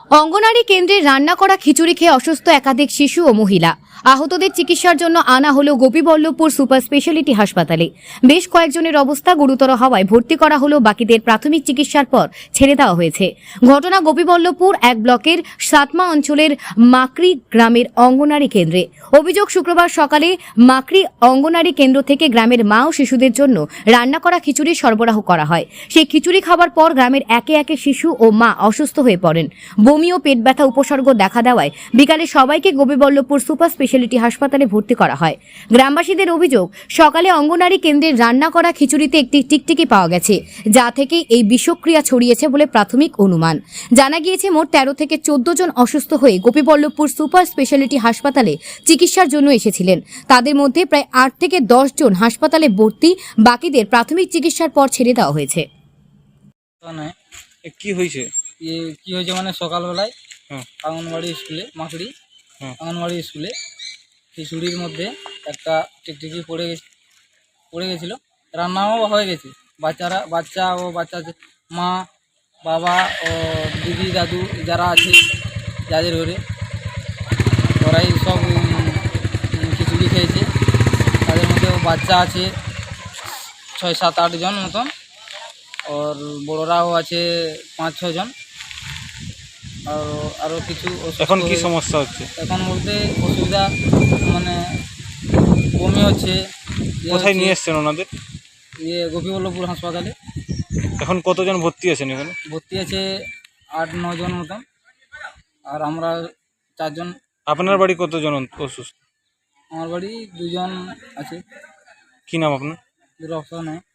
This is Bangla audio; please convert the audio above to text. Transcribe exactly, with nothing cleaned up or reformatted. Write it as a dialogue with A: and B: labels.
A: অঙ্গনারী কেন্দ্রে রান্না করা খিচুড়ি খেয়ে অসুস্থ একাধিক শিশু ও মহিলা। আহতদের চিকিৎসার জন্য আনা হলো গোপীবল্লভপুর সুপার স্পেশালিটি হাসপাতালে। বেশ কয়েকজনের অবস্থা গুরুতর হওয়ায় ভর্তি করা হলো, বাকিদের প্রাথমিক চিকিৎসার পর ছেড়ে দেওয়া হয়েছে। ঘটনা গোপীবল্লভপুর এক ব্লকের সাতমা অঞ্চলের মাকড়ি গ্রামের অঙ্গনারী কেন্দ্রে। অভিযোগ, শুক্রবার সকালে মাকড়ি অঙ্গনারী কেন্দ্র থেকে গ্রামের মা ও শিশুদের জন্য রান্না করা খিচুড়ি সরবরাহ করা হয়। সেই খিচুড়ি খাবার পর গ্রামের একে একে শিশু ও মা অসুস্থ হয়ে পড়েন। বমি ও পেট ব্যথা উপসর্গ দেখা দেওয়ায় বিকালে সবাইকে গোপীবল্লভপুর সুপার স্পেশালিটি হাসপাতালে ভর্তি করা হয়। গ্রামবাসীদের অভিযোগ, সকালে অঙ্গনারী কেন্দ্রের রান্না করা খিচুড়িতে একটি টিকটিকি পাওয়া গেছে, যা থেকে এই বিষক্রিয়া ছড়িয়েছে বলে প্রাথমিক অনুমান। জানা গিয়েছে, মোট তেরো থেকে চোদ্দ জন অসুস্থ হয়ে গোপীবল্লভপুর সুপার স্পেশালিটি হাসপাতালে চিকিৎসার জন্য এসেছিলেন। তাদের মধ্যে প্রায় আট থেকে দশ জন হাসপাতালে ভর্তি, বাকিদের প্রাথমিক চিকিৎসার পর ছেড়ে দেওয়া হয়েছে।
B: কি হয়েছে?
C: ইয়ে কি হয়েছে মানে সকালবেলায়
B: হ্যাঁ
C: আঙ্গনবাড়ি স্কুলে, মাকড়ি
B: হ্যাঁ
C: আঙ্গনবাড়ি স্কুলে খিচুড়ির মধ্যে একটা টিকটিকি পড়ে গেছে পড়ে গেছিলো। রান্নাও হয়ে গেছে। বাচ্চারা বাচ্চা ও বাচ্চা মা, বাবা ও দিদি, দাদু যারা আছে, যাদের ঘরে ওরাই সব উম, খিচুড়ি খেয়েছে। তাদের মধ্যেও বাচ্চা আছে ছয় সাত আট জন মতন, আর বড়রাও আছে পাঁচ ছ জন। আর আরও কিছু অসুস্থ
B: এখন কি
C: হয়ে-
B: সমস্যা হচ্ছে?
C: এখন বলতে অসুবিধা মানে বমি হচ্ছে। ইয়ে
B: কোথায়
C: হচ্ছে,
B: নিয়ে এসছেন ওনাদের?
C: ইয়ে গোপীবল্লভপুর হাসপাতালে
B: এখন কতজন ভর্তি আছেন এখানে?
C: ভর্তি আছে আট ন জন মতন, আর আমরা চারজন।
B: আপনার বাড়ি কতজন অসুস্থ?
C: আমার বাড়ি দুজন আছে।
B: কি নাম আপনার?
C: রক্ত নেয়।